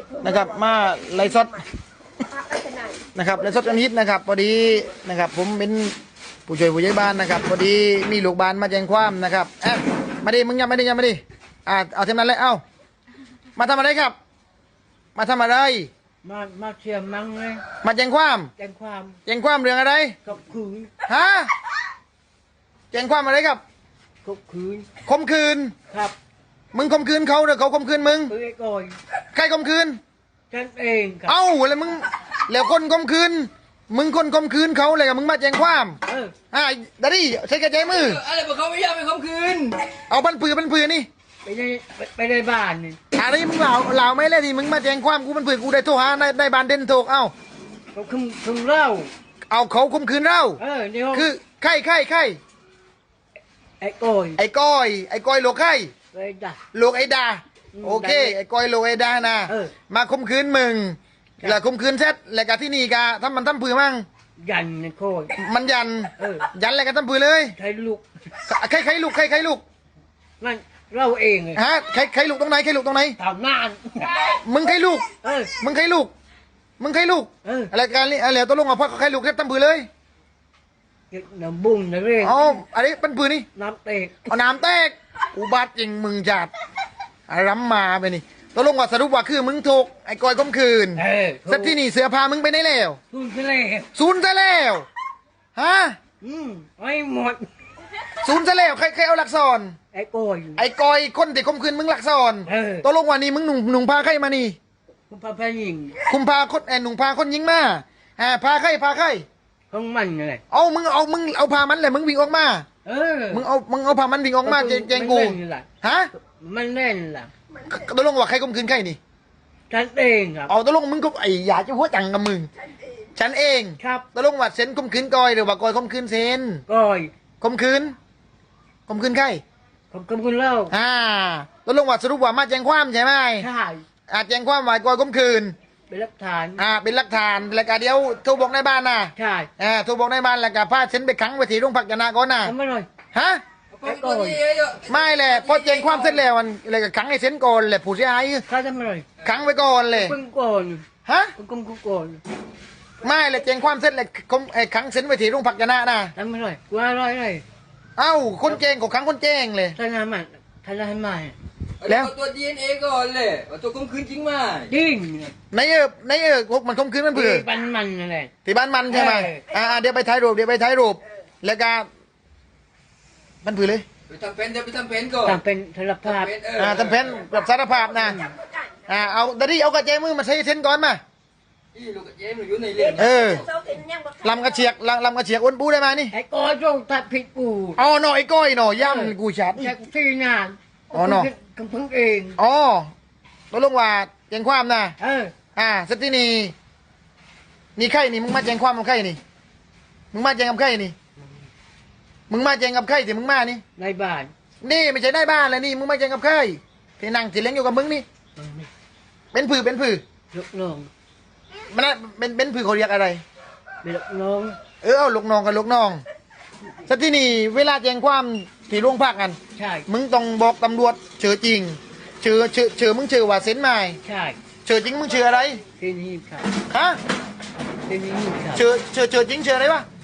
นะครับมาไล่สดนะครับไล่สดกันฮิตนะครับพอดีนะครับผมเป็นผู้ช่วยผู้ใหญ่บ้านนะครับพอดีมีลูกบ้านมาแจ้งความนะครับมาดิมึงยังไม่ดิเอาเท่านั้นเลยเอามาทำอะไรครับมาทำอะไรมาเชียร์มังเลยมาแจ้งความแจ้งความเรื่องอะไรข่มขืนฮะแจ้งความอะไรครับข่มขืนครับมึงข่มขืนเขาหรือเขาข่มขืนมึงไอ้ก่อยใครข่มขืนฉันเองครับเอ้าแล้วมึงแล้วคนข่มขืนมึงคนข่มขืนเขาเลยกับมึงมาแจ้งความดารี่ใช้กระจายมืออะไรบอกเขาไม่ยอมไปข่มขืนเอาบันปือนี่ไปในบ้านนี่อะไรมึงเหล่าไม่เลยที่มึงมาแจ้งความกูบันปือกูได้โทรหาได้บานเด่นโทรเอ้าเขาคุมเล่าเอาเขาข่มขืนเราคือใครไอ้ก้อยโลกใครโลกไอ้ดาโอเคไอ้ก้อยโลกไอ้ดานะมาข่มขืนมึงแล้วข่มขืนเสร็จแล้วก็ที่นี่กะทำปือมั่งยันโคยมันยันแล้วก็ทำปือเลยใครลูกใครลูกนั่นเราเองฮะใครลูกตรงไหนทำนานมึงใครลูกอะไรการนี้อะไรตัวลงอ่ะเพราะใครลูกแค่ทำปือเลยน้ำบุ้งนะเรื่องอ๋ออะไรเป็นปืนนี่น้ำเตกเอาน้ำเตกอุบัติจริงมึงจัดรำมาไปนี่ตัวลงว่าสรุปว่าคือมึงถูกไอ้ก้อยข่มขืนสักที่นี่เสือพามึงไปไหนแล้วศูนย์ซะแล้วฮะไม่หมดศูนย์ซะแล้วใครเอาหลักซอนไอ้ก้อยคนที่ข่มขืนมึงหลักซอนตัวลงว่านี่มึงหนุ่งพาใครมานี่คุมพาหญิงพาคนหนุ่งพาคนยิงมาพาใครของมันอะไรมึงเอาพามันเลยมึงวิ่งออกมามึงเอาพามันวิ่งออกมาแจงกูฮะมันเล่นล่ะตัวลงว่าใครข่มขืนใครนี่ฉันเองครับเอาตัวลงมึงก็ไอ้อยากจะหัวจังกับมึงฉันเองครับตัวลงว่าเซนข่มขืนก้อยหรือว่าก้อยข่มขืนเซนก้อยข่มขืนใครข่มขืนเล่าตัวลงว่าสรุปว่ามาแจ้งความใช่ไหมใช่แจ้งความว่าก้อยข่มขืนเป็นหลักฐานเป็นหลักฐานแล้วก็เดี๋ยวโทรบอกในบ้านนะใช่โทรบอกในบ้านแล้วก็พาเซนไปขังไว้ที่โรงพักยานาก่อนนะทำไมหน่อยฮะไม่แหละพอแจ้งความเสร็จแล้วมันเลยก็ขังไอ้เซนก่อนแหละผู้เสียหายข้าทำไมหน่อยขังไว้ก่อนเลยก่อนฮะก่อนไม่เลยแจ้งความเสร็จเลยขังเซนไว้ที่โรงพักยานานะทำไมหน่อยกูอร่อยเลยเอ้าคนแจ้งก็ขังคนแจ้งเลยท่านทำมันแล้วตัว DNA ก่อนเลยตัวข่มขืนจริงไหมจริงในพวกมันข่มขืนมันเผื่อบ้านมันอะไรที่บ้านมันใช่ไหมเดี๋ยวไปถ่ายรูปแล้วก็มันเผื่อเลยไปทำเป็นก่อนทำเป็นสารภาพทำเป็นแบบสารภาพนะเอาดารี่เอากระเจมือมาใช้เส้นก่อนมาลูกกระเจมืออยู่ในเล่นลำกระเฉียกอ้วนปูได้มานี่ไอ้ก้อยจงตัดผิดกูหน่อไอ้ก้อยหน่อย่ำกูชัดที่งานหน่อพึ่งเองตัวลงว่าแจ้งความนะสักที่นี่ใครนี่มึงมาแจ้งความกับใครนี่มึงมาแจ้งกับใครนี่มึงมาแจ้งกับใครที่มึงมานี่ในบ้านนี่ไม่ใช่ในบ้านเลยนี่มึงมาแจ้งกับใครที่นั่งที่เลี้ยงอยู่กับมึงนี่เป็นผือลูกน้องมันเป็นผือเขาเรียกอะไรเป็นลูกน้องเอาลูกน้องกับลูกน้องสักที่นี่เวลาแจ้งความที่โรงพักกันใช่มึงต้องบอกตำรวจเชื่อจริงเชื่อมึงเชื่อว่าเซ็นไม่ใช่เชื่อจริงมึงเชื่ออะไรเซ็นฮีบครับฮะเซ็นฮีบครับเชื่อจริงเชื่ออะไรวะ